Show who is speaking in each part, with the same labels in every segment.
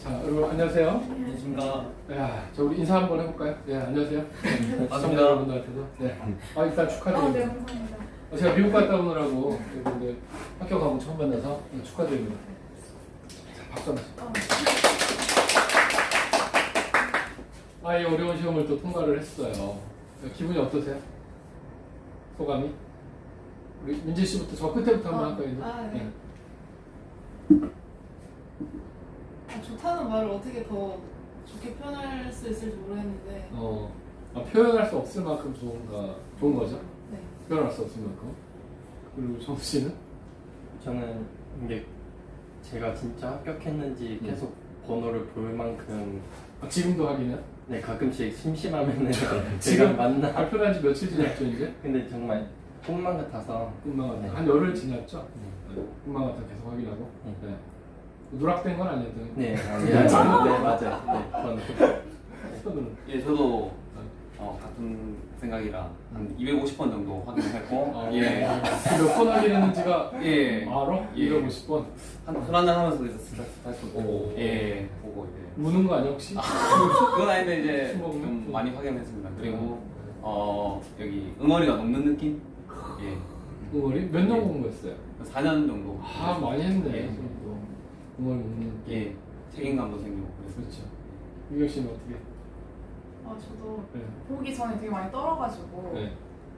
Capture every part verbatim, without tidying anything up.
Speaker 1: 자, 여러분 안녕하세요.
Speaker 2: 안녕하십니까.
Speaker 1: 야, 저 우리 인사 한번 해볼까요? 네, 안녕하세요. 시청자 여러분들한테도. 네. 아, 일단
Speaker 3: 아,
Speaker 1: 축하드립니다.
Speaker 3: 네, 감사합니다.
Speaker 1: 어, 제가 미국 갔다 오느라고 여러분들 학교 가고 처음 만나서 네, 축하드립니다. 자, 박수 한번.
Speaker 3: 어,
Speaker 1: 아, 이 어려운 시험을 또 통과를 했어요. 기분이 어떠세요? 소감이? 우리 민지 씨부터 저 끝에부터 한번
Speaker 3: 어,
Speaker 1: 할까요? 이제?
Speaker 3: 아, 네.
Speaker 4: 아, 좋다는 말을 어떻게 더 좋게 표현할 수 있을지 모르겠는데
Speaker 1: 어, 아, 표현할 수 없을 만큼 좋은가, 좋은 거죠?
Speaker 4: 네.
Speaker 1: 표현할 수 없을 만큼. 그리고 정수 씨는?
Speaker 2: 저는 이게 제가 진짜 합격했는지
Speaker 1: 음.
Speaker 2: 계속 번호를 볼 만큼
Speaker 1: 아, 지금도 하기는?
Speaker 2: 네 가끔씩 심심하면은 제가
Speaker 1: 지금
Speaker 2: 만나.
Speaker 1: 발표한 지 며칠 지났죠, 이제?
Speaker 2: 근데 정말 꿈만 같아서
Speaker 1: 꿈만 같아.
Speaker 2: 네.
Speaker 1: 한 열흘 지났죠?
Speaker 2: 네.
Speaker 1: 네. 꿈만 같아 계속 확인하고.
Speaker 2: 네.
Speaker 1: 네. 누락된 건 아니었던.
Speaker 2: 네, 아, 네, 네, 맞아요. 네, 저는
Speaker 1: 손으로.
Speaker 5: 예, 저도 어, 같은 생각이라 한 이백오십 번 정도 확인했고,
Speaker 1: 아,
Speaker 5: 예,
Speaker 1: 몇 번 확인했는지가
Speaker 5: 예,
Speaker 1: 알아?
Speaker 5: 예.
Speaker 1: 이백오십 번.
Speaker 5: 한 불안해하면서 이제 스타트 다시
Speaker 1: 오.
Speaker 5: 보고, 예, 보고 이제
Speaker 1: 무는 거 아니야, 혹시?
Speaker 5: 그건 아닌데 이제
Speaker 1: 술 먹는?
Speaker 5: 좀 많이 확인했습니다. 그리고
Speaker 1: 음.
Speaker 5: 어 여기 응어리가 녹는 느낌, 예,
Speaker 1: 응어리? 몇 년 공부했어요?
Speaker 5: 사 년 정도,
Speaker 1: 아, 많이 했네.
Speaker 5: 예.
Speaker 1: 또. 응어리 먹는.
Speaker 5: 예, 책임감도 생기고 그래서
Speaker 1: 그렇죠. 유경 씨는 어떻게?
Speaker 3: 어, 저도
Speaker 1: 네.
Speaker 3: 보기 전에 되게 많이 떨어가지고
Speaker 1: 네.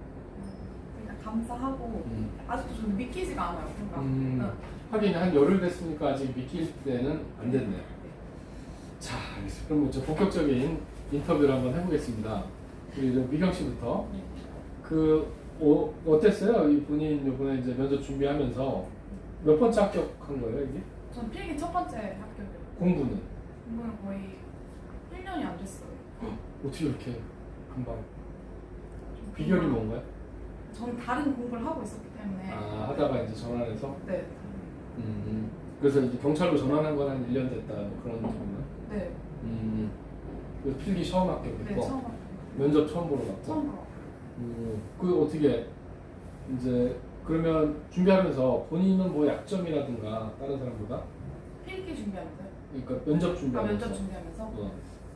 Speaker 3: 그냥 감사하고
Speaker 1: 음.
Speaker 3: 아직도 좀 믿기지가 않아요. 뭔가.
Speaker 1: 음.
Speaker 3: 응.
Speaker 1: 하긴 한 열흘 됐으니까 아직 믿길 때는 안 됐네.
Speaker 3: 네.
Speaker 1: 자, 알겠습니다. 그럼 저 본격적인 인터뷰를 한번 해보겠습니다. 우리 저 미경 씨부터.
Speaker 3: 네.
Speaker 1: 그 어, 어땠어요? 이 본인 이번에 이제 면접 준비하면서 몇 번째 합격한 거예요, 이게?
Speaker 3: 전 필기 첫 번째 합격이에요.
Speaker 1: 공부는
Speaker 3: 공부는 거의 일 년이 안 됐어요.
Speaker 1: 어떻게 이렇게 금방? 비결이 뭔가요?
Speaker 3: 저는 다른 공부를 하고 있었기 때문에.
Speaker 1: 아, 하다가 이제 전환해서.
Speaker 3: 네.
Speaker 1: 음. 그래서 이제 경찰로 전환한 건 한 일 년 됐다 뭐 그런 정도.
Speaker 3: 네.
Speaker 1: 음. 그래서 필기 처음 합격했고
Speaker 3: 네, 처음 합격.
Speaker 1: 면접 처음 보러 갔고.
Speaker 3: 처음 들어.
Speaker 1: 음, 그 어떻게 이제 그러면 준비하면서 본인은 뭐 약점이라든가 다른 사람보다
Speaker 3: 필기 준비하면서요?
Speaker 1: 그러니까 면접
Speaker 3: 아,
Speaker 1: 준비하면서
Speaker 3: 면접 준비하면서?
Speaker 1: 어,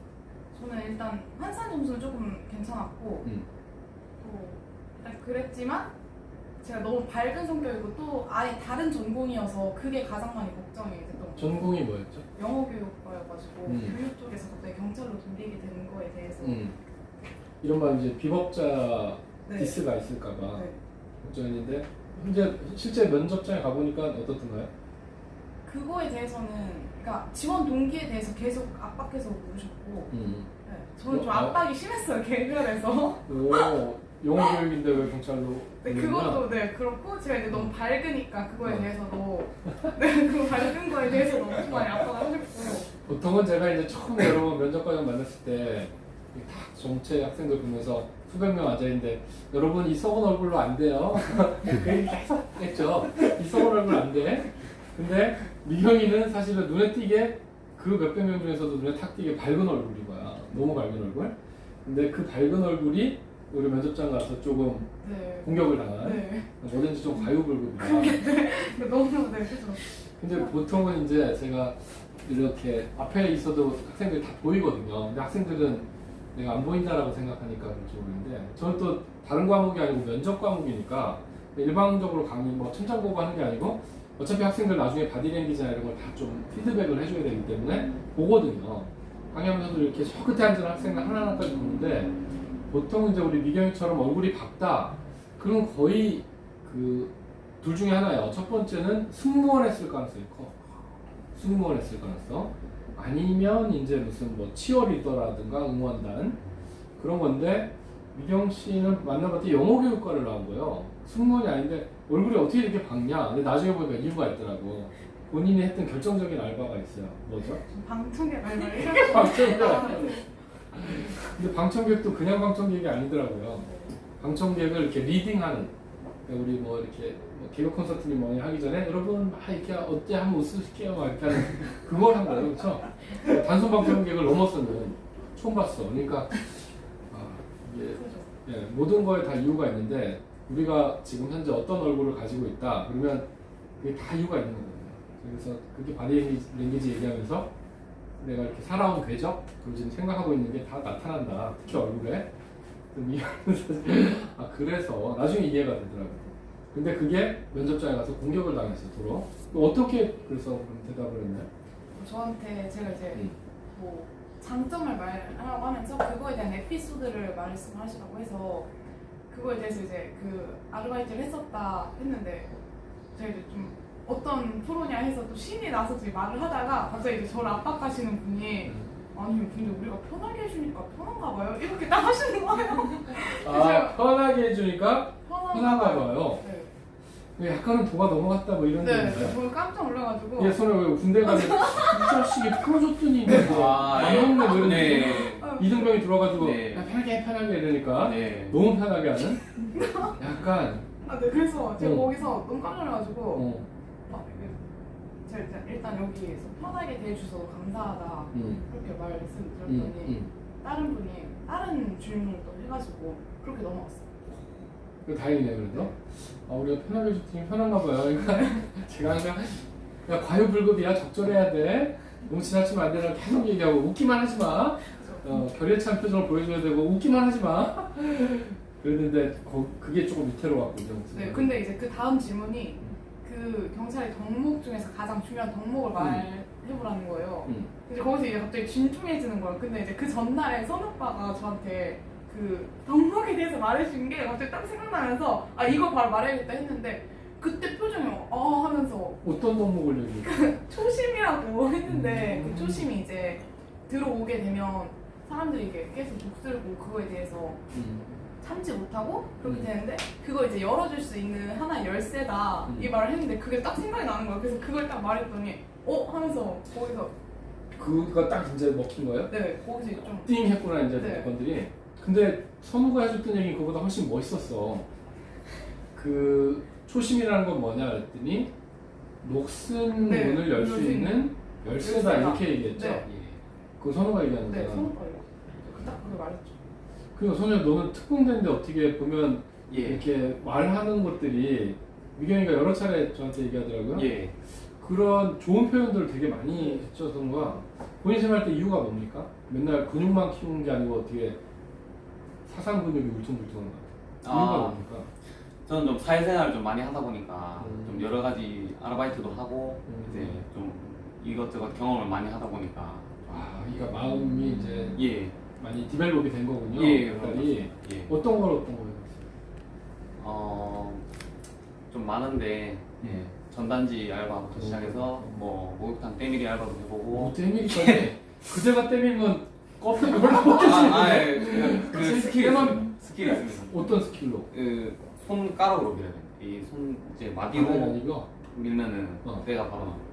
Speaker 3: 저는 일단 환산 점수는 조금 괜찮았고
Speaker 1: 음.
Speaker 3: 또 일단 그랬지만 제가 너무 밝은 성격이고 또 아예 다른 전공이어서 그게 가장 많이 걱정이 됐던 것 같아요.
Speaker 1: 전공이 뭐였죠?
Speaker 3: 영어 교육과여가지고
Speaker 1: 음.
Speaker 3: 교육 쪽에서 갑자기 경찰로 돌리게 되는 거에 대해서
Speaker 1: 음. 이런 말 이제 비법자
Speaker 3: 네.
Speaker 1: 디스가 있을까봐
Speaker 3: 네.
Speaker 1: 걱정했는데 현재 실제 면접장에 가보니까 어떻던가요?
Speaker 3: 그거에 대해서는 그러니까 지원 동기에 대해서 계속 압박해서 물으셨고
Speaker 1: 음.
Speaker 3: 네. 저는 좀
Speaker 1: 어, 아.
Speaker 3: 압박이 심했어요 개별에서.
Speaker 1: 오, 영어 교육인데 왜 경찰로?
Speaker 3: 네,
Speaker 1: 보내느냐?
Speaker 3: 그것도 네 그렇고 제가 이제 너무 밝으니까 그거에
Speaker 1: 어.
Speaker 3: 대해서도 네 그 밝은 거에 대해서도 엄청 많이 압박을 하셨고
Speaker 1: 보통은 제가 이제 처음에 여러분 면접 과정 만났을 때 다 정체 학생들 보면서 수백 명 앉아있는데 여러분 이 썩은 얼굴로 안 돼요. 그 얘기 계속 했죠. 이 썩은 얼굴 안 돼. 근데 미경이는 사실은 눈에 띄게 그 몇백 명 중에서도 눈에 탁 띄게 밝은 얼굴인 거야. 너무 밝은 얼굴. 근데 그 밝은 얼굴이 우리 면접장 가서 조금
Speaker 3: 네.
Speaker 1: 공격을 당한
Speaker 3: 네.
Speaker 1: 뭐든지 좀 과유불급이다.
Speaker 3: 근데 너무 네 그죠.
Speaker 1: 근데 보통은 이제 제가 이렇게 앞에 있어도 학생들이 다 보이거든요. 근데 학생들은 내가 안 보인다라고 생각하니까 그렇지 모르는데 저는 또 다른 과목이 아니고 면접 과목이니까 일방적으로 강의 뭐 천천보고 하는 게 아니고 어차피 학생들 나중에 바디랭귀지나 이런 걸 다 좀 피드백을 해줘야 되기 때문에 보거든요. 강의하면서도 이렇게 저 끝에 앉은 학생을 하나하나까지 보는데 보통 이제 우리 미경이처럼 얼굴이 밝다 그럼 거의 그 둘 중에 하나예요. 첫 번째는 승무원 했을 가능성이 커. 승무원 했을 가능성. 아니면 이제 무슨 뭐 치어리더라든가 응원단 그런 건데 미경 씨는 만나봤더니 영어 교육과를 나온 거예요. 승무원이 아닌데 얼굴이 어떻게 이렇게 밝냐. 근데 나중에 보니까 이유가 있더라고. 본인이 했던 결정적인 알바가 있어요. 뭐죠?
Speaker 3: 방청객 알바를 이렇게
Speaker 1: 방청객.
Speaker 3: 아,
Speaker 1: 근데 방청객도 그냥 방청객이 아니더라고요.
Speaker 3: 네.
Speaker 1: 방청객을 이렇게 리딩하는 그러니까 우리 뭐 이렇게 뭐 개그 콘서트니 뭐니 하기 전에 여러분 막 이렇게 어때 한번 웃으실게요 막 이렇게 하는 그걸 한 거예요. 그렇죠? 단순 방청객을 넘어서는 처음 봤어. 그러니까 아, 이게
Speaker 3: 그죠.
Speaker 1: 예, 모든 거에 다 이유가 있는데 우리가 지금 현재 어떤 얼굴을 가지고 있다 그러면 그게 다 이유가 있는 거거든요. 그래서 그게 바디 랭귀지 얘기하면서 내가 이렇게 살아온 궤적 그걸 지금 생각하고 있는 게 다 나타난다. 특히 얼굴에. 아 그래서 나중에 이해가 되더라고요. 근데 그게 면접장에 가서 공격을 당했어 도로. 어떻게 그래서 그럼 대답을 했나요?
Speaker 3: 저한테 제가 이제
Speaker 1: 음.
Speaker 3: 뭐 장점을 말하라고 하면서 그거에 대한 에피소드를 말씀하시라고 해서 그거에 대해서 이제 그 아르바이트를 했었다 했는데 제가 이제 좀 어떤 프로냐 해서 또 신이 나서 이제 말을 하다가 갑자기 이제 저를 압박하시는 분이
Speaker 1: 음.
Speaker 3: 아니 근데 우리가 편하게 해주니까 편한가 봐요? 이렇게 딱 하시는 거예요.
Speaker 1: 아 편하게 해주니까 편한가 봐요.
Speaker 3: 네.
Speaker 1: 약간은 도가 넘어갔다 뭐 이런 게
Speaker 3: 네,
Speaker 1: 있는데.
Speaker 3: 저 깜짝 놀라가지고
Speaker 1: 얘 손을 왜 군대 가면 이 자식이 풀어줬더니 뭐
Speaker 5: 아,
Speaker 1: 안 먹네 뭐 이런
Speaker 5: 네.
Speaker 1: 이등병이 들어가지고
Speaker 5: 네.
Speaker 1: 야, 편하게 편하게 이러니까
Speaker 5: 네.
Speaker 1: 너무 편하게 하는 약간
Speaker 3: 아, 네, 그래서 제가
Speaker 1: 어.
Speaker 3: 거기서 너무 깜짝 놀라가지고
Speaker 1: 어,
Speaker 3: 아, 이게 제가 일단, 일단 여기에서 편하게 대해주셔서 감사하다
Speaker 1: 음,
Speaker 3: 그렇게
Speaker 1: 음,
Speaker 3: 말씀드렸더니
Speaker 1: 음.
Speaker 3: 다른 분이 다른 질문을 또 해가지고 그렇게 넘어갔어요.
Speaker 1: 그 다행이네요 그래도. 아 우리가 편하게 해줬더니 편한가 봐요. 그러니까 제가 그냥 야 과유불급이야 적절해야 돼. 너무 지나치면 안 되나 계속 얘기하고 웃기만 하지 마. 어, 결의찬 표정을 보여줘야 되고 웃기만 하지 마. 그랬는데 거, 그게 조금 위태로웠군요.
Speaker 3: 네, 근데 이제 그 다음 질문이 그 경찰의 덕목 중에서 가장 중요한 덕목을
Speaker 1: 음.
Speaker 3: 말해보라는 거예요.
Speaker 1: 음.
Speaker 3: 이제 거기서 이제 갑자기 진중해지는 거예요. 근데 이제 그 전날에 선 오빠가 저한테 그 덕목에 대해서 말해준 게 갑자기 딱 생각나면서 아 이거 바로 말해야겠다 했는데 그때 표정이 어 하면서
Speaker 1: 어떤 덕목을 얘기해?
Speaker 3: 초심이라고 했는데
Speaker 1: 음.
Speaker 3: 그 초심이 이제 들어오게 되면 사람들이 이게 계속 독들고 그거에 대해서
Speaker 1: 음.
Speaker 3: 참지 못하고 그렇게
Speaker 1: 음.
Speaker 3: 되는데 그거 이제 열어줄 수 있는 하나의 열쇠다
Speaker 1: 음.
Speaker 3: 이 말을 했는데 그게 딱 생각이 나는 거예요. 그래서 그걸 딱 말했더니 어? 하면서 거기서
Speaker 1: 그거 딱 이제 먹힌 거예요?
Speaker 3: 네 거기서 좀
Speaker 1: 띵 했구나 이제
Speaker 3: 네.
Speaker 1: 건들이. 근데 선우가 해줬던 얘기 그거보다 훨씬 멋있었어. 그 초심이라는 건 뭐냐 그랬더니 녹슨
Speaker 3: 네,
Speaker 1: 문을 열 수
Speaker 3: 열수 있는
Speaker 1: 있는 열쇠다
Speaker 3: 열쇠다.
Speaker 1: 이렇게 얘기했죠.
Speaker 3: 네.
Speaker 1: 그 선우가 얘기하는
Speaker 3: 네
Speaker 1: 거야.
Speaker 3: 선오빠예요. 딱 그걸 말했죠.
Speaker 1: 그리고 선우야 너는 특공대인데 어떻게 보면
Speaker 5: 예.
Speaker 1: 이렇게 말하는 것들이 미경이가 여러 차례 저한테 얘기하더라고요.
Speaker 5: 예.
Speaker 1: 그런 좋은 표현들을 되게 많이 했죠 선우가. 본인 생활할 때 이유가 뭡니까? 맨날 근육만 키우는 게 아니고 어떻게 사상 근육이 울퉁불퉁한 것 같아요. 이유가
Speaker 5: 아.
Speaker 1: 뭡니까?
Speaker 5: 저는 좀 사회생활을 좀 많이 하다 보니까
Speaker 1: 음.
Speaker 5: 좀 여러 가지 아르바이트도 하고
Speaker 1: 음.
Speaker 5: 이제 좀 이것저것 경험을 많이 하다 보니까
Speaker 1: 아, 그러니까 마음이 이제
Speaker 5: 예.
Speaker 1: 많이 디벨롭이 된 거군요.
Speaker 5: 예.
Speaker 1: 역할이.
Speaker 5: 예.
Speaker 1: 어떤 걸 어떤 걸 해봤어요?
Speaker 5: 어, 좀 많은데 예. 전단지 알바부터
Speaker 1: 음.
Speaker 5: 시작해서 뭐 목욕탕 때밀이 알바도 해보고
Speaker 1: 오, 때밀이까지. 그대가 때밀면 껍데기 별로 못
Speaker 5: 아, 아,
Speaker 1: 겠지.
Speaker 5: 예. 그, 그
Speaker 1: 그치?
Speaker 5: 스킬이
Speaker 1: 때만-
Speaker 5: 있습니다. 스킬이 있습니다.
Speaker 1: 어떤 스킬로?
Speaker 5: 그 손가락으로 밀어야 돼요. 이 손 이제 마디로
Speaker 1: 아니, 아니고.
Speaker 5: 밀면은
Speaker 1: 어.
Speaker 5: 때가 바로 나와요.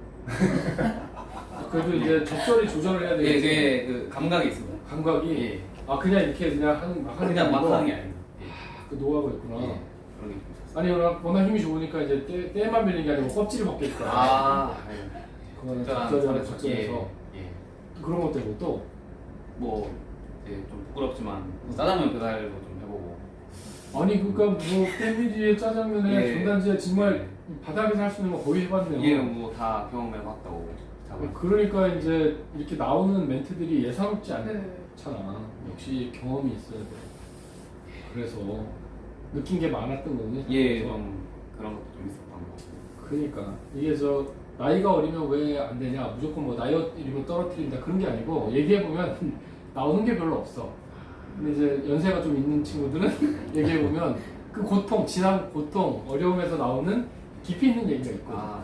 Speaker 1: 아, 그래도 이제 적절히 조절을 해야
Speaker 5: 예,
Speaker 1: 되겠지.
Speaker 5: 그게 그 감각이 있습니다.
Speaker 1: 감각이.
Speaker 5: 예.
Speaker 1: 아 그냥 이렇게 그냥 하는 막 하는 게
Speaker 5: 그냥 막
Speaker 1: 아니고
Speaker 5: 하는 게 아닙니다. 예.
Speaker 1: 그 노하우가 있구나.
Speaker 5: 예. 그런 게 좀 있었어요.
Speaker 1: 아니 워낙, 워낙 힘이 좋으니까 이제 때, 때만 밀린 게 아니고 껍질을 벗겠다.
Speaker 5: 아, 예.
Speaker 1: 그거는
Speaker 5: 적절한
Speaker 1: 적절히
Speaker 5: 선에서,
Speaker 1: 적절해서
Speaker 5: 예. 예.
Speaker 1: 그런 것도 있고 또
Speaker 5: 뭐 이제 좀 부끄럽지만 짜장면 배달도 좀 해보고.
Speaker 1: 아니 그러니까 뭐 때밀이에 짜장면에
Speaker 5: 예.
Speaker 1: 전단지에 정말
Speaker 5: 예.
Speaker 1: 이 바닥에서 할 수 있는 거 거의 해봤네요.
Speaker 5: 예, 뭐 다 경험해봤다고. 자고.
Speaker 1: 그러니까 이제 이렇게 나오는 멘트들이 예사롭지 않잖아.
Speaker 3: 네.
Speaker 1: 역시 경험이 있어야 돼. 그래서 느낀 게 많았던 거군요.
Speaker 5: 예,
Speaker 1: 그래서.
Speaker 5: 좀 그런 것도 좀 있었던 것 같아요.
Speaker 1: 그러니까 이게 저 나이가 어리면 왜 안 되냐 무조건 뭐 나이 어리면 떨어뜨린다 그런 게 아니고 얘기해 보면 나오는 게 별로 없어. 근데 이제 연세가 좀 있는 친구들은 얘기해 보면 그 고통, 지난 고통, 어려움에서 나오는 깊이 있는 얘기가 있거든.
Speaker 5: 아,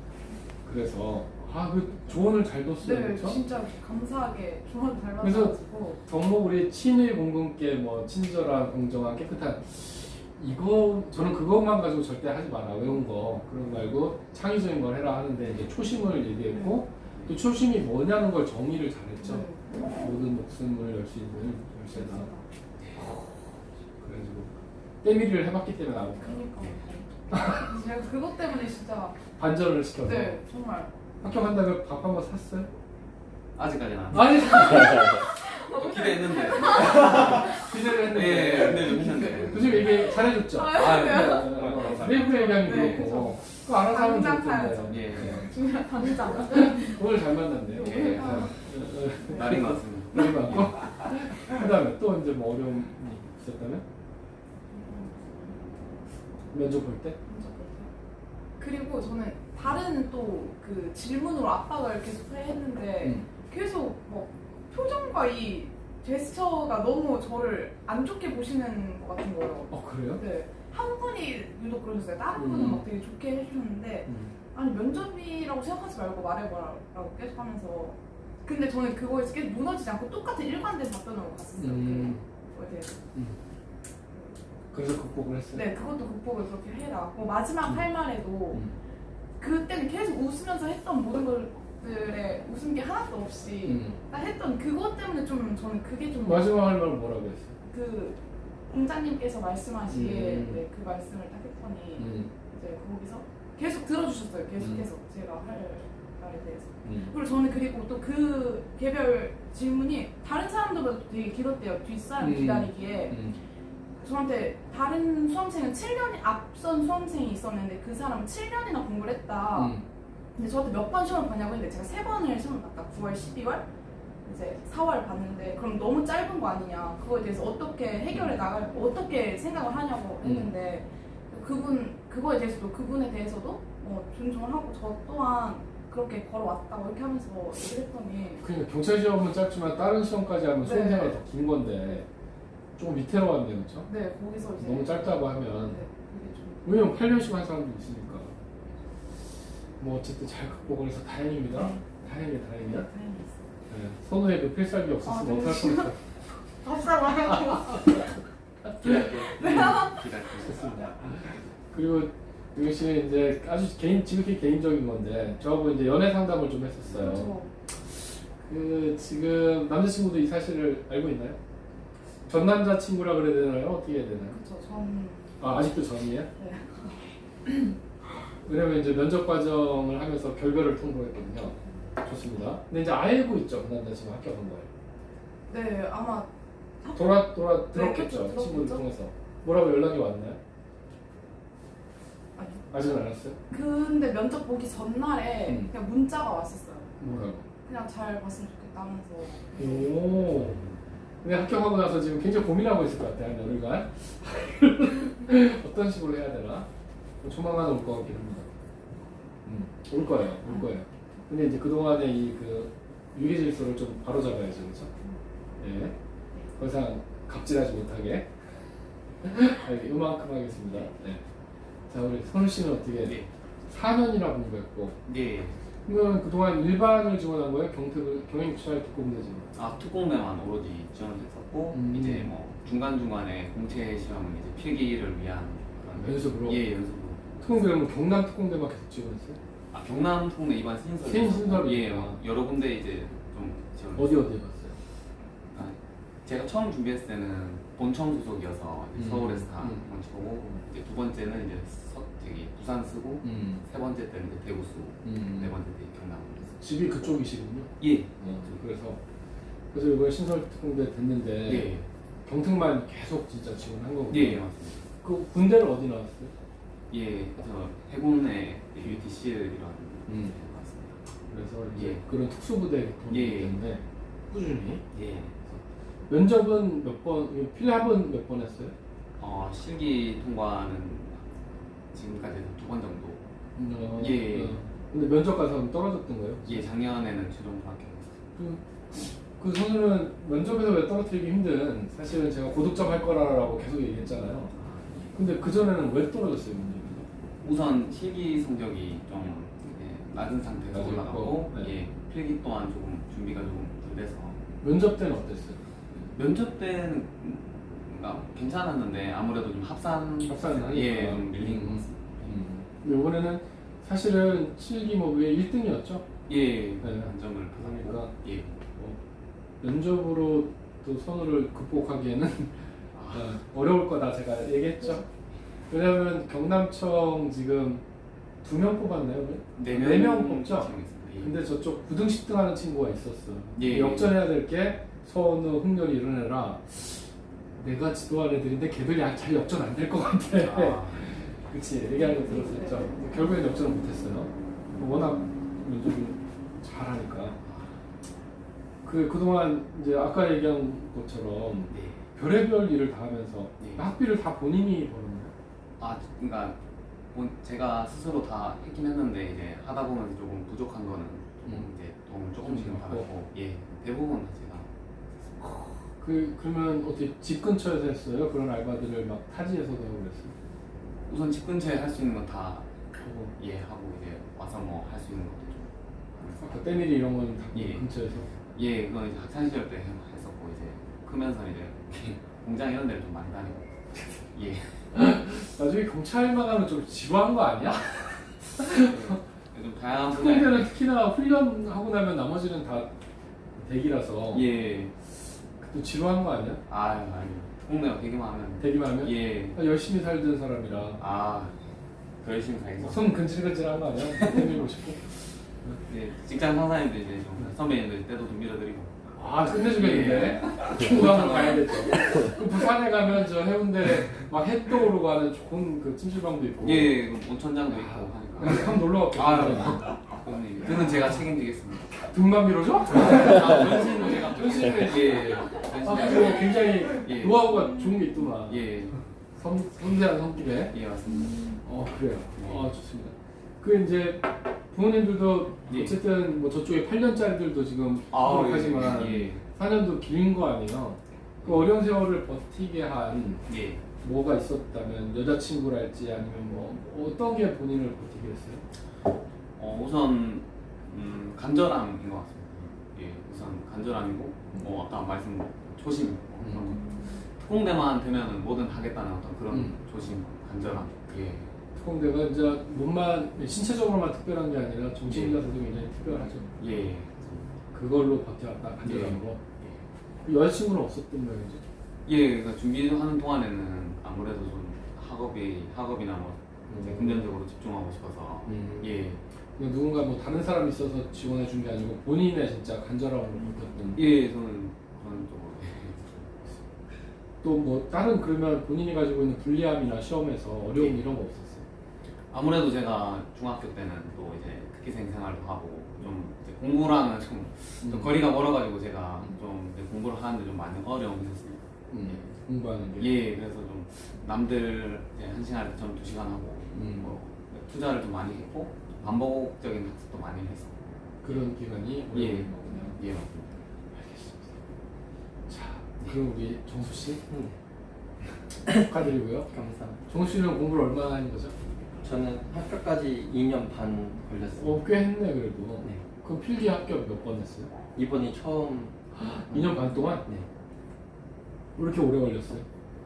Speaker 1: 그래서 아 그 조언을 잘 뒀어요,
Speaker 3: 네
Speaker 1: 그렇죠?
Speaker 3: 진짜 감사하게 조언 잘
Speaker 1: 그래서
Speaker 3: 받아가지고
Speaker 1: 덕목 우리 친일 공군께 뭐 친절한, 공정한, 깨끗한 이거 저는 그것만 가지고 절대 하지 마라 외운 거 그런 거 말고 창의적인 걸 해라 하는데 이제 초심을 얘기했고 또 초심이 뭐냐는 걸 정의를 잘했죠.
Speaker 3: 네.
Speaker 1: 모든 목숨을 열 수 있는 열쇠다. 그래가지고 때밀이를 해봤기 때문에 나온
Speaker 3: 그러니까 제가 그것 때문에 진짜
Speaker 1: 반전을 시켜서
Speaker 3: 네 정말
Speaker 1: 합격한다고 밥 한 번 샀어요?
Speaker 5: 아직까지는 안.
Speaker 1: 아니
Speaker 5: 좀 기대했는데.
Speaker 1: 기대를 했는데
Speaker 5: 예, 근데 좀 했는데.
Speaker 1: 교수님 얘기 잘해줬죠?
Speaker 5: 아,
Speaker 3: 네.
Speaker 1: 내부 얘기하면
Speaker 3: 네,
Speaker 1: 그렇고 그거 알아서 하면
Speaker 3: 당장
Speaker 1: 좋던데
Speaker 3: 사야죠.
Speaker 5: 예.
Speaker 3: 중요한 당장
Speaker 1: 오늘 잘 만났네요.
Speaker 5: 예.
Speaker 1: 네.
Speaker 5: 날인 것 같습니다.
Speaker 1: 그런 거 같고 그다음에 또 이제 뭐 어려움이 있었다면 면접 볼 때?
Speaker 3: 그리고 저는 다른 또 그 질문으로 압박을 계속 했는데
Speaker 1: 음.
Speaker 3: 계속 뭐 표정과 이 제스처가 너무 저를 안 좋게 보시는 것 같은 거예요.
Speaker 1: 어 그래요?
Speaker 3: 네. 한 분이 유독 그러셨어요. 다른 분은
Speaker 1: 음.
Speaker 3: 막 되게 좋게 해주셨는데
Speaker 1: 음.
Speaker 3: 아니 면접이라고 생각하지 말고 말해봐라고 계속 하면서 근데 저는 그거에서 계속 무너지지 않고 똑같은 일관된 답변으로 갔었어요.
Speaker 1: 음.
Speaker 3: 그거에 대해서.
Speaker 1: 음. 그래서 극복을 했어요?
Speaker 3: 네, 그것도 극복을 그렇게 해라. 뭐 마지막
Speaker 1: 음.
Speaker 3: 할 말에도
Speaker 1: 음.
Speaker 3: 그때는 계속 웃으면서 했던 모든 것들에 웃음기 하나도 없이
Speaker 1: 음.
Speaker 3: 딱 했던 그것 때문에 좀 저는 그게 좀
Speaker 1: 마지막 할 말은 뭐라고 했어요?
Speaker 3: 그 공장님께서 말씀하시기에
Speaker 1: 음.
Speaker 3: 네, 그 말씀을 딱 했더니
Speaker 1: 음.
Speaker 3: 이제 거기서 계속 들어주셨어요. 계속해서
Speaker 1: 음.
Speaker 3: 제가 할 말에 대해서.
Speaker 1: 음.
Speaker 3: 그리고 저는 그리고 또 그 개별 질문이 다른 사람들보다 되게 길었대요. 뒷사람
Speaker 1: 음.
Speaker 3: 기다리기에.
Speaker 1: 음.
Speaker 3: 저한테 다른 수험생은 칠 년 앞선 수험생이 있었는데 그 사람은 칠 년이나 공부를 했다.
Speaker 1: 음.
Speaker 3: 근데 저한테 몇 번 시험을 봤냐고 했는데 제가 세 번을 시험을 봤다. 구월, 십이월, 이제 사월 봤는데 그럼 너무 짧은 거 아니냐. 그거에 대해서 어떻게 해결해 나갈, 어떻게 생각을 하냐고 했는데 그분, 그거에 대해서도 그분에 대해서도 어, 존중을 하고 저 또한 그렇게 걸어왔다고 이렇게 하면서 얘기를 했더니
Speaker 1: 그러니까 경찰 시험은 짧지만 다른 시험까지 하면 수험
Speaker 3: 네.
Speaker 1: 생활이 더 긴 건데 조금 위태로웠네요, 그렇죠?
Speaker 3: 네, 거기서 이제
Speaker 1: 너무 짧다고 하면
Speaker 3: 네, 그게 좀
Speaker 1: 왜냐면 팔 년씩 한 사람도 있으니까 뭐 어쨌든 잘 극복을 해서 다행입니다.
Speaker 3: 네.
Speaker 1: 다행이야, 다행이야.
Speaker 3: 다행히 있어요.
Speaker 1: 네. 선우에 그 필살기 없었으면
Speaker 3: 아, 네.
Speaker 1: 어떡할 뻔했어.
Speaker 3: 밥상 말고
Speaker 5: 기다릴게요. 기다릴게요.
Speaker 1: 좋습니다. 그리고 유경 씨는 이제 아주 개인, 지극히 개인적인 건데 저하고 이제 연애 상담을 좀 했었어요.
Speaker 3: 그렇죠.
Speaker 1: 그 지금 남자친구도 이 사실을 알고 있나요? 전 남자친구라 그래야 되나요? 어떻게 해야 되나요?
Speaker 3: 그렇죠. 전
Speaker 1: 아, 아직도 전이에요?
Speaker 3: 네.
Speaker 1: 왜냐면 이제 면접 과정을 하면서 결별을 통보했거든요. 좋습니다. 근데 이제 알고 있죠, 그 남자친구 합격한 거예요.
Speaker 3: 네, 아마
Speaker 1: 돌아 돌아
Speaker 3: 네,
Speaker 1: 들었겠죠,
Speaker 3: 그렇죠.
Speaker 1: 친구를
Speaker 3: 들었겠죠.
Speaker 1: 통해서. 뭐라고 연락이 왔나요?
Speaker 3: 아니.
Speaker 1: 아직은 안 왔어요?
Speaker 3: 근데 면접 보기 전날에
Speaker 1: 음.
Speaker 3: 그냥 문자가 왔었어요.
Speaker 1: 뭐라고?
Speaker 3: 그냥 잘 봤으면 좋겠다 하면서.
Speaker 1: 오. 근데 합격하고 나서 지금 굉장히 고민하고 있을 것 같아요, 한 열흘간. 어떤 식으로 해야 되나? 조만간 올 것 같긴 합니다. 음, 올 거예요, 올 거예요. 근데 이제 그동안의 이 그 유기 질서를 좀 바로잡아야죠, 그렇죠? 예. 더 이상 갑질하지 못하게. 이렇게 요만큼 하겠습니다. 네. 자, 우리 선우 씨는 어떻게
Speaker 5: 네.
Speaker 1: 사 년이나 공부했고,
Speaker 5: 네.
Speaker 1: 그러면 그동안 일반을 지원한 거예요? 경특을, 경영기초할 특공대 지원?
Speaker 5: 아 특공대만 오로지 지원했었고
Speaker 1: 음.
Speaker 5: 이제 뭐 중간 중간에 공채 시험은 이제 필기를 위한 그런
Speaker 1: 연습으로?
Speaker 5: 예 연습으로.
Speaker 1: 특공대라면 경남 특공대만 계속 지원했어요?
Speaker 5: 아 경남 특공대 이번 신설.
Speaker 1: 신설이
Speaker 5: 예
Speaker 1: 있구나.
Speaker 5: 어, 여러 군데 이제 좀 지원.
Speaker 1: 어디 어디 갔어요?
Speaker 5: 아, 제가 처음 준비했을 때는 본청 소속이어서 이제
Speaker 1: 음.
Speaker 5: 서울에서 다
Speaker 1: 음.
Speaker 5: 먼저 보고 이제 두 번째는 이제 서, 저기 부산 쓰고
Speaker 1: 음.
Speaker 5: 세 번째 때는 이제 대구 쓰고
Speaker 1: 음.
Speaker 5: 네 번째 때 경남.
Speaker 1: 집이 그쪽이시군요?
Speaker 5: 예.
Speaker 1: 어, 그래서 그래서 이번에 신설 특공대 됐는데
Speaker 5: 예.
Speaker 1: 경특만 계속 진짜 지원한 거군요?
Speaker 5: 예 맞습니다.
Speaker 1: 그 군대는 어디 나왔어요?
Speaker 5: 예, 저 해군의 유티씨이라는
Speaker 1: 음.
Speaker 5: 데 맞습니다.
Speaker 1: 그래서 이제
Speaker 5: 예.
Speaker 1: 그런 특수부대 동기
Speaker 5: 예.
Speaker 1: 때문에 꾸준히
Speaker 5: 예.
Speaker 1: 면접은 몇 번, 필합은 몇 번 했어요?
Speaker 5: 어, 실기 통과는 지금까지 두 번 정도.
Speaker 1: 어,
Speaker 5: 예.
Speaker 1: 어. 근데 면접 가서 떨어졌던 거예요?
Speaker 5: 예, 작년에는 최종 합격했어요.
Speaker 1: 그, 그 선수는 면접에서 왜 떨어뜨리기 힘든 사실은 제가 고득점 할 거라고 계속 얘기했잖아요. 근데 그 전에는 왜 떨어졌어요, 면접에서?
Speaker 5: 우선 실기 성적이 좀 예, 낮은 상태에서
Speaker 1: 낮았고,
Speaker 5: 올라가고
Speaker 1: 네.
Speaker 5: 예, 필기 또한 조금 준비가 조금 덜 돼서
Speaker 1: 면접 때는 어땠어요?
Speaker 5: 면접 때는 음, 아, 괜찮았는데 아무래도 좀 합산
Speaker 1: 합산을
Speaker 5: 예,
Speaker 1: 하니까.
Speaker 5: 좀 밀린 것
Speaker 1: 음.
Speaker 5: 같습니다.
Speaker 1: 음. 근데 이번에는 사실은 실기 뭐왜 일 등이었죠?
Speaker 5: 예,
Speaker 1: 네.
Speaker 5: 단점을 받았고
Speaker 1: 그러니까.
Speaker 5: 예.
Speaker 1: 뭐 면접으로 또 선호를 극복하기에는 어, 어려울 거다 제가 얘기했죠. 왜냐하면 경남청 지금 두 명 뽑았나요?
Speaker 5: 네
Speaker 1: 네 명
Speaker 5: 명
Speaker 1: 뽑죠?
Speaker 5: 지정했습니다. 예.
Speaker 1: 근데 저쪽 구 등 십 등 하는 친구가 있었어.
Speaker 5: 예.
Speaker 1: 역전해야 될 게 선우, 흥렬이 이런 애라 내가 지도한 애들인데 걔들이 잘 역전 안 될 것 같아.
Speaker 5: 아,
Speaker 1: 그치, 얘기하는 거 들었었죠. 결국엔 역전을 못했어요. 워낙 면접을 잘하니까. 그 그동안 이제 아까 얘기한 것처럼
Speaker 5: 네.
Speaker 1: 별의별 일을 다 하면서
Speaker 5: 네.
Speaker 1: 학비를 다 본인이 벌었나요?
Speaker 5: 아, 그러니까 본- 제가 스스로 다 했긴 했는데 이제 하다 보면 조금 부족한 거는 좀
Speaker 1: 음.
Speaker 5: 이제 도움을 조금씩은
Speaker 1: 좀
Speaker 5: 받았고, 예, 대부분 다 제가.
Speaker 1: 그 그러면 어떻게 집 근처에서 했어요? 그런 알바들을 막 타지에서도 하고 그랬어요?
Speaker 5: 우선 집 근처에 할 수 있는 건 다
Speaker 1: 하고
Speaker 5: 예 하고 이제 와서 뭐 할 수 있는 것도 좀 하면서.
Speaker 1: 아까 때밀이 이런 건 다
Speaker 5: 예.
Speaker 1: 근처에서.
Speaker 5: 예, 그건 이제 학창 시절 때 했었고 이제 크면서 이제 공장 이런 데를 좀 많이 다니고. 예.
Speaker 1: 나중에 경찰만 하면 좀 지루한 거 아니야?
Speaker 5: 좀 다양한 분야.
Speaker 1: 특공대는 특히나 훈련하고 나면 나머지는 다 대기라서
Speaker 5: 예.
Speaker 1: 또 지루한 거 아니야?
Speaker 5: 아유, 아니. 특공대가 되기만 하면.
Speaker 1: 대기만 하면?
Speaker 5: 예.
Speaker 1: 아, 열심히 살던 사람이라
Speaker 5: 아, 더 열심히 살겠어.
Speaker 1: 손 근질근질한 거 아니야? 때밀고 싶고.
Speaker 5: 예, 직장 상사님들 이제 좀 선배님들 때도 좀 밀어드리고.
Speaker 1: 아 끝내주겠는데 중국 한번 가야겠죠. 그 부산에 가면 저 해운대 막 해 떠오르고 하는 좋은 그 찜질방도 있고.
Speaker 5: 예, 그 온천장도 있고 하니까.
Speaker 1: 한번 놀러 갈게요.
Speaker 5: 아, 그건 그는 제가 책임지겠습니다.
Speaker 1: 등만 밀어줘?
Speaker 5: 아, 전신은 제가
Speaker 1: 전신은
Speaker 5: 예,
Speaker 1: 아
Speaker 5: 전신은
Speaker 1: 그리고 굉장히
Speaker 5: 예.
Speaker 1: 노하우가 좋은 게 있더만.
Speaker 5: 예,
Speaker 1: 섬, 섬세한 성격에.
Speaker 5: 예 맞습니다.
Speaker 1: 어 그래요. 아 좋습니다. 그 이제 부모님들도
Speaker 5: 예.
Speaker 1: 어쨌든 뭐 저쪽에 팔 년짜리들도 지금
Speaker 5: 아,
Speaker 1: 하지만
Speaker 5: 예,
Speaker 1: 사 년도 긴 거 아니에요. 그 어려운 세월을 버티게 한
Speaker 5: 예.
Speaker 1: 뭐가 있었다면 여자친구랄지 아니면 뭐 어떤 게 본인을 버티게 했어요?
Speaker 5: 어, 우선 음, 간절함인 것 같습니다. 예, 우선 간절함이고 뭐 아까 말씀 초심 뭐 그런 거. 특공대만 되면은 뭐든 하겠다는 어떤 그런
Speaker 1: 음.
Speaker 5: 조심, 간절함. 예.
Speaker 1: 특공대가 이제 몸만 신체적으로만 특별한 게 아니라 정신이라서도 굉장히 특별하죠.
Speaker 5: 예.
Speaker 1: 그걸로 버텨왔다 간절함으로.
Speaker 5: 예.
Speaker 1: 그 여자친구는 없었던 모양이죠.
Speaker 5: 예, 그러니까 준비하는 동안에는 아무래도 좀 학업이 학업이나 뭐 이제
Speaker 1: 음.
Speaker 5: 금전적으로 집중하고 싶어서
Speaker 1: 음.
Speaker 5: 예,
Speaker 1: 그냥 누군가 뭐 다른 사람이 있어서 지원해 준 게 아니고 본인의 진짜 간절함으로 버텼던.
Speaker 5: 예, 저는 그런 쪽으로
Speaker 1: 또 뭐 다른 그러면 본인이 가지고 있는 불리함이나 시험에서 어려움
Speaker 5: 예.
Speaker 1: 이런 거 없었어요?
Speaker 5: 아무래도 제가 중학교 때는 또 이제 특기생 생활도 하고 좀 이제 공부랑은 좀, 좀
Speaker 1: 음.
Speaker 5: 거리가 멀어가지고 제가 좀 이제 공부를 하는데 좀 많은 어려움이 있었습니다.
Speaker 1: 음. 공부하는 게.
Speaker 5: 예, 그래서 좀 남들 이제 한 시간에 저는 두 시간 하고
Speaker 1: 음.
Speaker 5: 뭐 투자를 좀 많이 했고 반복적인 학습도 많이 했었고
Speaker 1: 그런 기간이
Speaker 5: 예.
Speaker 1: 어려운 거군요.
Speaker 5: 예, 맞습니다.
Speaker 1: 알겠습니다. 자, 그럼 우리 정수 씨
Speaker 2: 네,
Speaker 1: 축하드리고요.
Speaker 2: 감사합니다.
Speaker 1: 정수 씨는 공부를 얼마나 한 거죠?
Speaker 2: 저는 학교까지 이 년 반 걸렸어요.
Speaker 1: 어, 꽤 했네 그래도.
Speaker 2: 네.
Speaker 1: 그럼 필기 합격 몇 번 했어요?
Speaker 2: 이번이 처음.
Speaker 1: 이 년 반 동안?
Speaker 2: 네,
Speaker 1: 왜 이렇게 오래 걸렸어요?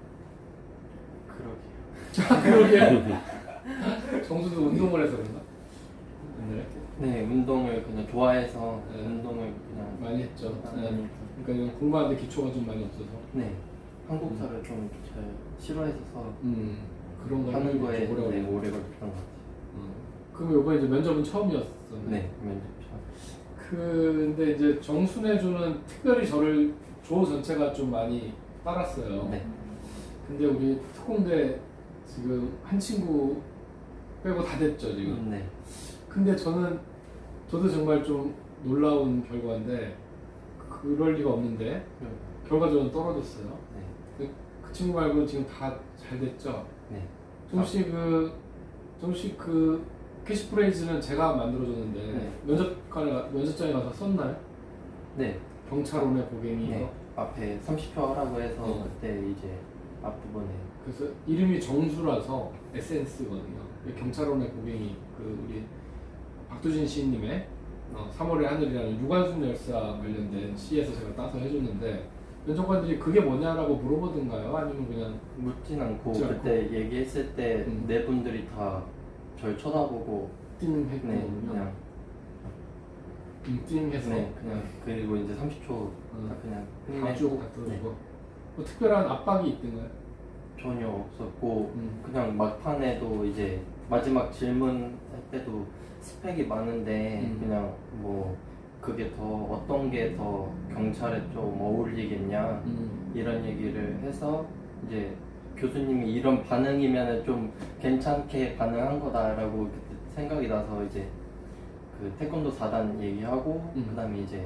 Speaker 2: 그러게요.
Speaker 1: 그러게. 정수도 운동을 해서 그런가? 옛날에
Speaker 2: 네, 운동을 그냥 좋아해서
Speaker 1: 네.
Speaker 2: 운동을 그냥
Speaker 1: 많이 했죠. 네.
Speaker 2: 많이.
Speaker 1: 그러니까 공부하는데 기초가 좀 많이 없어서.
Speaker 2: 네, 한국사를 좀 잘 싫어해서
Speaker 1: 음, 그런 거
Speaker 2: 하는 거에
Speaker 1: 좀 오래
Speaker 2: 네,
Speaker 1: 걸렸네.
Speaker 2: 오래 걸렸던 것 같아요.
Speaker 1: 음. 그럼 이번에 이제 면접은 처음이었었네.
Speaker 2: 네, 면접이요.
Speaker 1: 근데 이제 정순애주는 특별히 저를 조 전체가 좀 많이 따랐어요.
Speaker 2: 네,
Speaker 1: 근데 우리 특공대 지금 한 친구 빼고 다 됐죠 지금.
Speaker 2: 네,
Speaker 1: 근데 저는 저도 정말 좀 놀라운 결과인데 그럴 리가 없는데
Speaker 2: 네.
Speaker 1: 결과적으로 떨어졌어요.
Speaker 2: 네.
Speaker 1: 근데 그 친구 말고는 지금 다 잘 됐죠.
Speaker 2: 네.
Speaker 1: 정씨 그 정씨 그 캐시프레이즈는 제가 만들어줬는데
Speaker 2: 네.
Speaker 1: 면접관에 가- 면접장에 가서 썼나요?
Speaker 2: 네.
Speaker 1: 경찰원의 고갱이.
Speaker 2: 네. 앞에 삼십 표 하라고 해서
Speaker 1: 어.
Speaker 2: 그때 이제 앞부분에
Speaker 1: 그래서 이름이 정수라서 에센스거든요. 경찰원의 고갱이 그 우리 박두진 시인님의 어, 삼월의 하늘이라는 유관순 열사 관련된 시에서 제가 따서 해줬는데 면접관들이 그게 뭐냐라고 물어보던가요? 아니면 그냥
Speaker 2: 묻진 않고
Speaker 1: 묻지 않고.
Speaker 2: 그때 얘기했을 때
Speaker 1: 음.
Speaker 2: 네 분들이 다 절 쳐다보고
Speaker 1: 띵
Speaker 2: 네
Speaker 1: 했거든요.
Speaker 2: 그냥
Speaker 1: 음, 띵 해서
Speaker 2: 네 그냥 그리고 이제 삼십 초 다 그냥
Speaker 1: 다쭉
Speaker 2: 끝내고
Speaker 1: 다
Speaker 2: 네,
Speaker 1: 들어주고 뭐 특별한 압박이 있던가요?
Speaker 2: 전혀 없었고
Speaker 1: 음.
Speaker 2: 그냥 막판에도 이제 마지막 질문할 때도 스펙이 많은데
Speaker 1: 음.
Speaker 2: 그냥 뭐 그게 더 어떤 게 더 경찰에 좀 어울리겠냐
Speaker 1: 음.
Speaker 2: 이런 얘기를 해서 이제 교수님이 이런 반응이면 좀 괜찮게 반응한 거다라고 그때 생각이 나서 이제 그 태권도 사 단 얘기하고
Speaker 1: 음.
Speaker 2: 그다음에 이제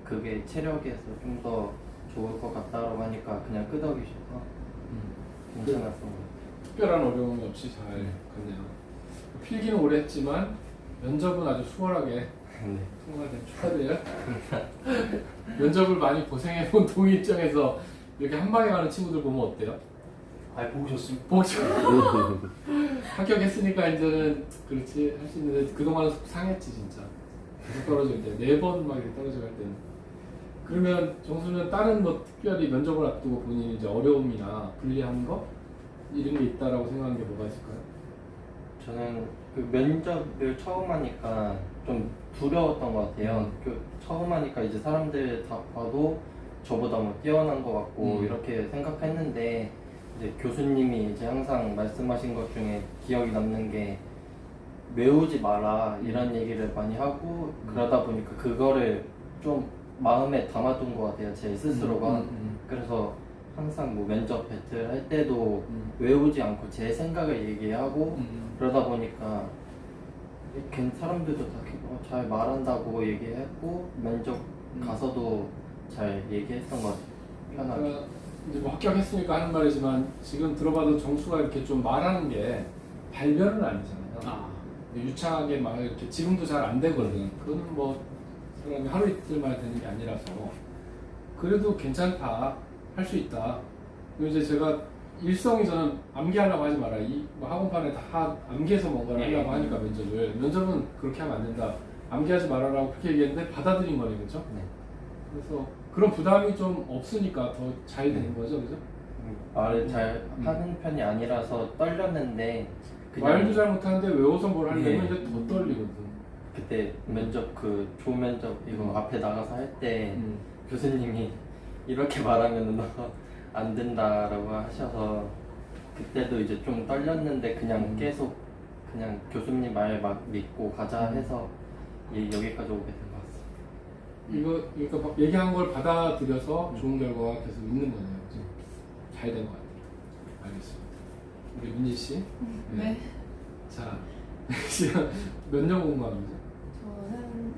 Speaker 2: 그게 체력에서 좀 더 좋을 것 같다라고 하니까 그냥 끄덕이셔서
Speaker 1: 음.
Speaker 2: 괜찮았던 것 같아요.
Speaker 1: 특별한 어려움이 없이 잘 갔네요. 필기는 오래 했지만 면접은 아주 수월하게
Speaker 2: 네.
Speaker 1: 통과된 축하드려요. 면접을 많이 고생해본 동의 입장에서 이렇게 한 방에 가는 친구들 보면 어때요?
Speaker 5: 아 보고 싶습니다.
Speaker 1: 보죠. 합격했으니까 이제는 그렇지 할 수 있는데 그동안은 속 상했지 진짜. 계속 떨어질 때 네 번 막 이렇게 떨어져 갈 때는. 그러면 정수는 다른 뭐 특별히 면접을 앞두고 본인이 이제 어려움이나 불리한 거 이런 게 있다라고 생각하는 게 뭐가 있을까요?
Speaker 2: 저는 그 면접을 처음 하니까 좀 두려웠던 것 같아요.
Speaker 1: 음.
Speaker 2: 그 처음 하니까 이제 사람들 다 봐도 저보다 뭐 뛰어난 것 같고
Speaker 1: 음.
Speaker 2: 이렇게 생각했는데 이제 교수님이 이제 항상 말씀하신 것 중에 기억이 남는 게 외우지 마라 이런 얘기를 많이 하고
Speaker 1: 음.
Speaker 2: 그러다 보니까 그거를 좀 마음에 담아둔 것 같아요. 제 스스로가.
Speaker 1: 음, 음,
Speaker 2: 그래서 항상 뭐 면접 배틀 할 때도
Speaker 1: 음.
Speaker 2: 외우지 않고 제 생각을 얘기하고
Speaker 1: 음.
Speaker 2: 그러다 보니까 이렇게 사람들도 다 어, 잘 말한다고 얘기했고 면접
Speaker 1: 음.
Speaker 2: 가서도 잘 얘기했던 것 같아요. 편하게.
Speaker 1: 그러니까 이제 뭐 합격했으니까 하는 말이지만 지금 들어봐도 정수가 이렇게 좀 말하는 게 발별은 아니잖아요.
Speaker 5: 아
Speaker 1: 유창하게 막 이렇게 지금도 잘 안 되거든. 그건 뭐 사람이 하루 이틀 만에 되는 게 아니라서 그래도 괜찮다, 할 수 있다. 그리고 이제 제가 일성이 저는 암기하려고 하지 마라. 이뭐 학원판에 다 암기해서 뭔가를
Speaker 5: 예.
Speaker 1: 하려고 하니까 면접을 면접은 그렇게 하면 안 된다. 암기하지 말아라고 그렇게 얘기했는데 받아들인 거네, 그죠?
Speaker 2: 네.
Speaker 1: 그래서 그런 부담이 좀 없으니까 더 잘 되는 거죠, 그죠?
Speaker 2: 음, 말을 잘
Speaker 1: 음.
Speaker 2: 하는 편이 아니라서 떨렸는데 그냥
Speaker 1: 말도 잘 못하는데 외워서 뭘 하려면
Speaker 2: 예.
Speaker 1: 이제 더 떨리거든.
Speaker 2: 그때
Speaker 1: 음.
Speaker 2: 면접 그 조면접 이거
Speaker 1: 음.
Speaker 2: 앞에 나가서 할 때
Speaker 1: 음.
Speaker 2: 교수님이 이렇게 말하면 너 안 된다라고 하셔서 그때도 이제 좀 떨렸는데 그냥
Speaker 1: 음.
Speaker 2: 계속 그냥 교수님 말 막 믿고 가자
Speaker 1: 음.
Speaker 2: 해서 예, 여기까지 오게 된 것 같습니다.
Speaker 1: 이거 그러니까 막 얘기한 걸 받아들여서 좋은 결과가 계속 있는 거네요. 그죠? 잘 된 것 같아요. 알겠습니다. 우리 민지 씨.
Speaker 4: 네.
Speaker 1: 자, 지금 몇 년 공부하는 거죠?
Speaker 4: 저는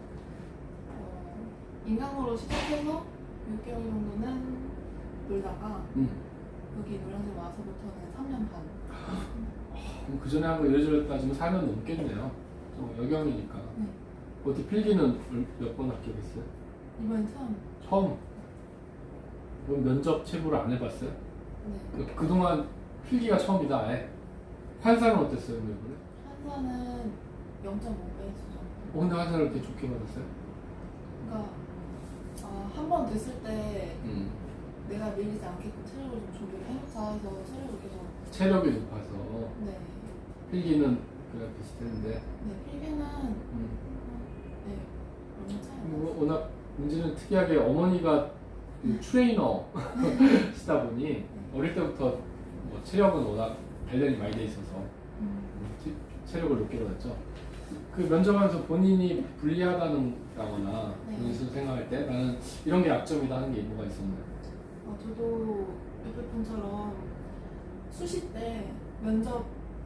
Speaker 4: 어, 인강으로 시작해서 육 개월 정도는 놀다가
Speaker 1: 응.
Speaker 4: 여기 노량진 와서부터는 삼 년 반.
Speaker 1: 그럼 그 전에 한 거 이래저래 따지면 사 년 넘겠네요. 좀 여경이니까.
Speaker 4: 네.
Speaker 1: 어떻게 필기는 몇 번 합격했어요?
Speaker 4: 이번엔 처음.
Speaker 1: 처음. 그럼 면접 체부를 안 해봤어요?
Speaker 4: 네.
Speaker 1: 그- 그동안 필기가 처음이다. 아예. 환사는 어땠어요, 그럼 이번에?
Speaker 4: 한사는 영 점 오 배 수준.
Speaker 1: 어, 근데 환사를 이렇게 좋게 받았어요?
Speaker 4: 그러니까 어, 한 번 됐을 때
Speaker 1: 음.
Speaker 4: 내가 밀리지 않게끔 체력을 좀 준비를 해놓자 해서 체력을 계속.
Speaker 1: 체력이 높아서
Speaker 4: 네.
Speaker 1: 필기는 그냥 비슷했는데
Speaker 4: 네. 필기는
Speaker 1: 음.
Speaker 4: 네. 얼마 차이 안
Speaker 1: 뭐,
Speaker 4: 났어요.
Speaker 1: 워낙 문제는 특이하게 어머니가 그 트레이너 시다 보니 어릴 때부터 뭐 체력은 워낙 단련이 많이 돼 있어서
Speaker 4: 음.
Speaker 1: 체- 체력을 높게 받았죠. 그 면접하면서 본인이 불리하다는 거나
Speaker 4: 네.
Speaker 1: 본인 스스로 생각할 때 나는 이런 게 약점이다 하는 게 뭐가 있었나요?
Speaker 4: 어, 저도 옆에 분처럼 수시 때 면접을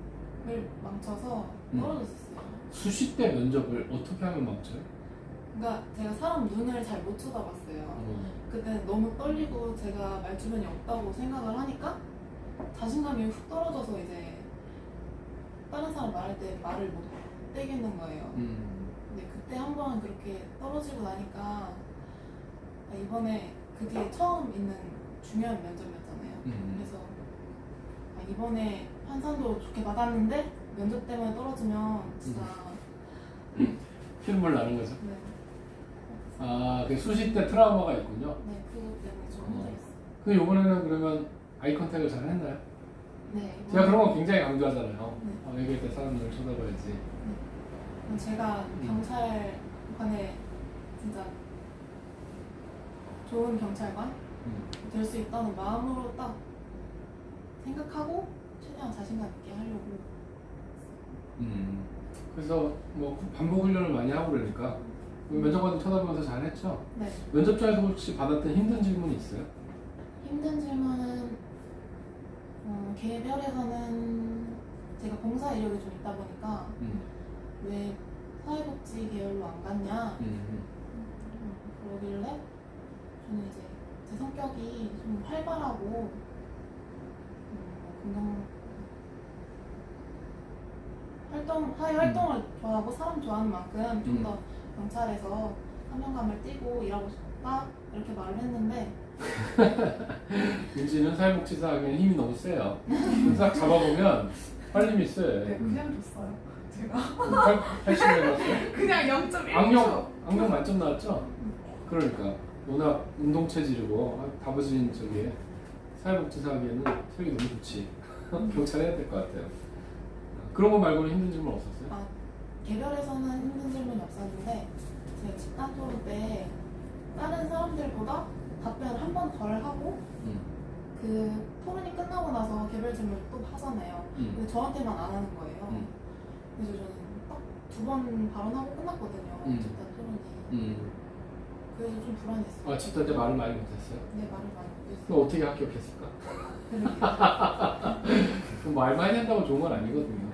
Speaker 4: 망쳐서
Speaker 1: 음.
Speaker 4: 떨어졌었어요.
Speaker 1: 수시 때 면접을 어떻게 하면 망쳐요?
Speaker 4: 그러니까 제가 사람 눈을 잘 못 쳐다봤어요.
Speaker 1: 어.
Speaker 4: 그때 너무 떨리고 제가 말 주변이 없다고 생각을 하니까 자신감이 훅 떨어져서 이제 다른 사람 말할 때 말을 못 떼겠는 거예요.
Speaker 1: 음.
Speaker 4: 근데 그때 한 번 그렇게 떨어지고 나니까 아, 이번에 그 뒤에 처음 있는 중요한 면접이었잖아요.
Speaker 1: 음.
Speaker 4: 그래서 아, 이번에 환산도 좋게 받았는데 면접 때문에 떨어지면 진짜
Speaker 1: 피눈물 나는 거죠.
Speaker 4: 네,
Speaker 1: 아, 그 수시 때 트라우마가 있군요.
Speaker 4: 네 그것 때문에 좀
Speaker 1: 어.
Speaker 4: 힘들었어요.
Speaker 1: 근데 이번에는 그러면 아이 컨택을 잘 했나요?
Speaker 4: 네,
Speaker 1: 제가 그런 거 굉장히 강조하잖아요.
Speaker 4: 네.
Speaker 1: 어, 얘기할 때 사람들을 쳐다봐야지.
Speaker 4: 제가
Speaker 1: 음.
Speaker 4: 경찰관에 진짜 좋은 경찰관
Speaker 1: 음.
Speaker 4: 될 수 있다는 마음으로 딱 생각하고 최대한 자신감 있게 하려고.
Speaker 1: 음. 그래서 뭐 반복 훈련을 많이 하고 그러니까 면접관도 쳐다보면서 잘했죠.
Speaker 4: 네.
Speaker 1: 면접장에서 혹시 받았던 힘든 질문이 있어요?
Speaker 4: 힘든 질문은 어, 개별에서는 제가 봉사 이력이 좀 있다 보니까
Speaker 1: 음.
Speaker 4: 왜 사회복지 계열로 안 갔냐
Speaker 1: 음.
Speaker 4: 음, 그러길래 성격이 좀 활발하고 음, 긍정 활동 사회 활동을 좋아하고 사람 좋아하는 만큼 좀
Speaker 1: 음.
Speaker 4: 더 경찰에서 사명감을 띠고 일하고 싶다 이렇게 말을 했는데
Speaker 1: 윤지는 사회복지사 하기엔 힘이 너무 세요. 싹 잡아보면 활림이 세.
Speaker 3: 네, 그냥 줬어요. 제가
Speaker 1: 팔십 년 나왔어요?
Speaker 3: 그냥 영 점 일 초.
Speaker 1: 악령, 악령 만점 나왔죠? 그러니까 워낙 운동 체질이고 다부진 저기 사회복지사 하기에는 체력이 너무 좋지. 경찰 해야 될 것 같아요. 그런 거 말고는 힘든 질문 없었어요?
Speaker 4: 아, 개별에서는 힘든 질문이 없었는데 제가 집단 토론 때 다른 사람들보다 답변을 한 번 덜 하고
Speaker 1: 음.
Speaker 4: 그 토론이 끝나고 나서 개별 질문을 또 하잖아요.
Speaker 1: 음.
Speaker 4: 근데 저한테만 안 하는 거예요.
Speaker 1: 음.
Speaker 4: 그래서 저는 딱 두 번 발언하고 끝났거든요.
Speaker 1: 음.
Speaker 4: 집단 토론이.
Speaker 1: 음.
Speaker 4: 그래서 좀 불안했어요.
Speaker 1: 아, 집단 때 말을 많이 못했어요?
Speaker 4: 네, 말을 많이 못했어요.
Speaker 1: 그럼 어떻게 합격했을까? 그럼 말 많이 한다고 좋은 건 아니거든요.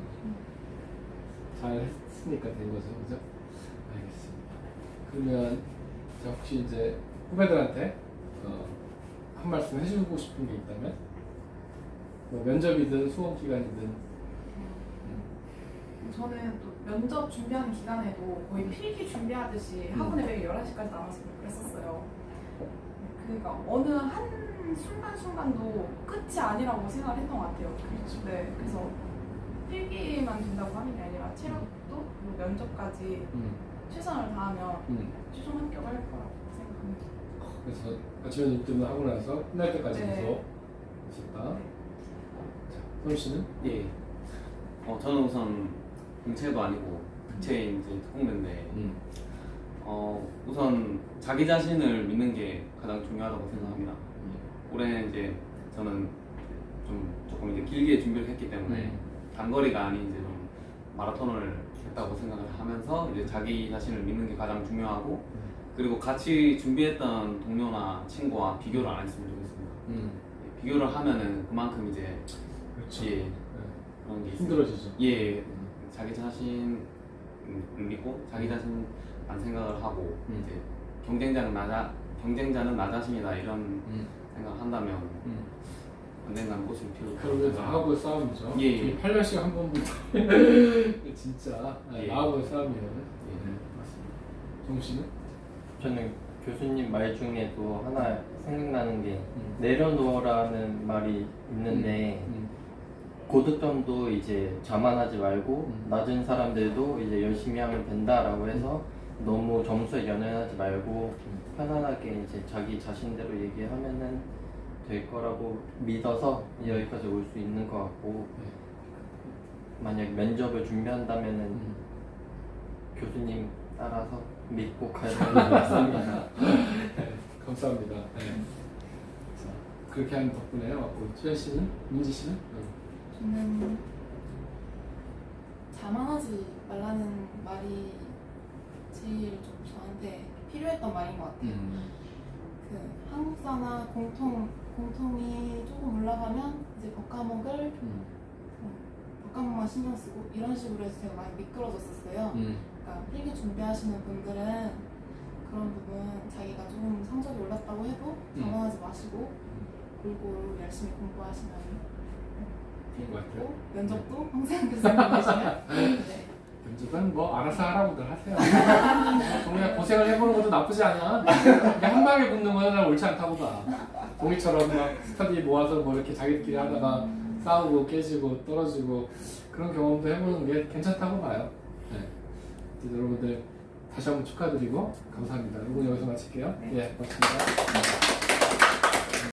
Speaker 1: 잘 했으니까 된 거죠, 그죠? 알겠습니다. 그러면 자, 혹시 이제 후배들한테 어, 한 말씀 해주고 싶은 게 있다면 뭐 면접이든 수험 기간이든
Speaker 3: 저는 또 면접 준비하는 기간에도 거의 필기 준비하듯이
Speaker 1: 음.
Speaker 3: 학원에 매일 열한 시까지 남아서 그랬었어요. 그러니까 어느 한 순간순간도 끝이 아니라고 생각을 했던 것 같아요.
Speaker 1: 그렇죠.
Speaker 3: 네, 그래서 필기만 된다고 하는 게 아니라 체력도 그리고 면접까지
Speaker 1: 음,
Speaker 3: 최선을 다하면
Speaker 1: 음.
Speaker 3: 최종 합격을 할 거라고 생각합니다.
Speaker 1: 그래서 아침에 눈 뜨면 하고 나서 끝날 때까지
Speaker 3: 네.
Speaker 1: 계속 있었다. 자, 선우 씨는?
Speaker 5: 예. 어, 저는 우선 공채도 아니고 특채인 이제 특공대인데
Speaker 1: 음.
Speaker 5: 어, 우선 자기 자신을 믿는 게 가장 중요하다고 생각합니다. 올해는 이제 저는 좀 조금 이제 길게 준비를 했기 때문에
Speaker 1: 음.
Speaker 5: 단거리가 아닌 이제 좀 마라톤을 했다고 생각을 하면서 이제 자기 자신을 믿는 게 가장 중요하고 그리고 같이 준비했던 동료나 친구와 비교를 안 했으면 좋겠습니다.
Speaker 1: 음.
Speaker 5: 비교를 하면은 그만큼 이제
Speaker 1: 그렇죠.
Speaker 5: 예
Speaker 1: 네.
Speaker 5: 그런 게 있어요.
Speaker 1: 힘들어지죠.
Speaker 5: 예
Speaker 1: 음.
Speaker 5: 자기 자신을 믿고 자기 자신만 생각을 하고
Speaker 1: 음.
Speaker 5: 이제 경쟁자는 나 자, 경쟁자는 나 자신이다 이런
Speaker 1: 음.
Speaker 5: 생각한다면
Speaker 1: 음.
Speaker 5: 언젠가는 꽃을 피울
Speaker 1: 결국에 나하고의 싸움이죠.
Speaker 5: 예, 예.
Speaker 1: 저희 팔 년씩 한 번 진짜
Speaker 5: 예.
Speaker 1: 나하고의 싸움이에요.
Speaker 5: 예.
Speaker 1: 네, 맞습니다. 정우 씨는?
Speaker 2: 저는 교수님 말 중에도 하나 생각나는 게
Speaker 1: 음.
Speaker 2: 내려놓으라는 말이 있는데
Speaker 1: 음.
Speaker 2: 고득점도 이제 자만하지 말고
Speaker 1: 음.
Speaker 2: 낮은 사람들도 이제 열심히 하면 된다라고 해서 너무 점수에 연연하지 말고 편안하게 이제 자기 자신대로 얘기하면은 될 거라고 믿어서 여기까지 올 수 있는 것 같고 만약 면접을 준비한다면은
Speaker 1: 음.
Speaker 2: 교수님 따라서 믿고 가야 되는 것 같습니다.
Speaker 1: 네, 감사합니다. 네. 자, 그렇게 하는 덕분에 왔고 수현 씨는? 민지 씨는?
Speaker 4: 저는 자만하지 말라는 말이 제일 좀 저한테 필요했던 말인 것 같아요.
Speaker 1: 음.
Speaker 4: 그 한국사나 공통 공통이 조금 올라가면 이제 법 과목을
Speaker 1: 음.
Speaker 4: 법 과목만 신경 쓰고 이런 식으로 해서 제가 많이 미끄러졌었어요.
Speaker 1: 음.
Speaker 4: 그러니까 필기 준비하시는 분들은 그런 부분 자기가 조금 성적이 올랐다고 해도
Speaker 1: 음.
Speaker 4: 자만하지 마시고 골고루 열심히 공부하시면
Speaker 1: 될 것 같아요.
Speaker 4: 필기고 면접도 항상 그 생각 계시면 네.
Speaker 1: 면접은 뭐 알아서 하라고들 하세요. 동희야 고생을 해보는 것도 나쁘지 않아. 이게 한 방에 붙는 거는 난 옳지 않다고 봐. 동희처럼 막 스터디 모아서 뭐 이렇게 자기들끼리 하다가 싸우고 깨지고 떨어지고 그런 경험도 해보는 게 괜찮다고 봐요. 네. 이제 여러분들 다시 한번 축하드리고 감사합니다. 이번 여기서 마칠게요. 예, 고맙습니다.